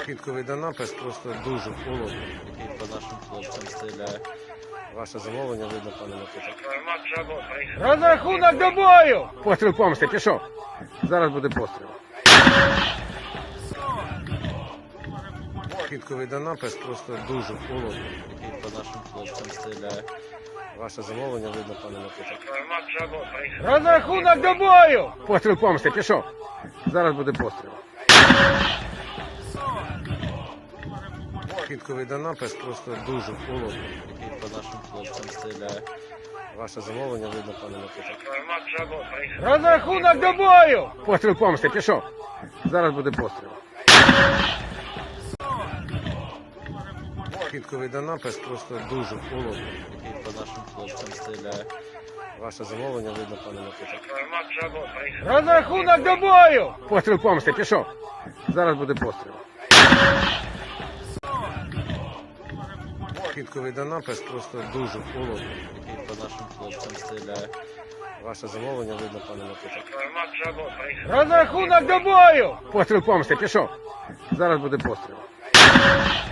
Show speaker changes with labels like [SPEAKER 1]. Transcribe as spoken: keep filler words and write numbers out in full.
[SPEAKER 1] Квітковий Донапис просто дуже холодно.
[SPEAKER 2] І по нашим хлопцям стріляє.
[SPEAKER 1] Ваше замовлення видно, пане Микита.
[SPEAKER 3] Розрахунок до бою!
[SPEAKER 1] Постріл помсти, пішов. Зараз буде постріл. Квітковий Донапис просто дуже холодно.
[SPEAKER 2] І по нашим хлопцям стріляє.
[SPEAKER 1] Ваше замовлення видно, пане Микита.
[SPEAKER 3] Розрахунок до бою!
[SPEAKER 1] Постріл помсти, пішов. Зараз буде постріл. Квітковий Донапис просто дуже холодно.
[SPEAKER 2] І по нашим хлопцям стріляє.
[SPEAKER 1] Ваше замовлення видно, пане Микита.
[SPEAKER 3] Розрахунок до бою!
[SPEAKER 1] Постріл помсти, пішов. Зараз буде постріл. Квітковий Донапис просто дуже холодно.
[SPEAKER 2] І по нашим хлопцям стріляє.
[SPEAKER 1] Ваше замовлення видно, пане Микита.
[SPEAKER 3] Розрахунок до бою!
[SPEAKER 1] Постріл помсти, пішов. Зараз буде постріл. Квітковий Донапис просто дуже холодно.
[SPEAKER 2] І по нашим хлопцям стріляє.
[SPEAKER 1] Ваше замовлення видно, пане Микита.
[SPEAKER 3] Розрахунок до бою!
[SPEAKER 1] Постріл помсти, пішов. Зараз буде постріл.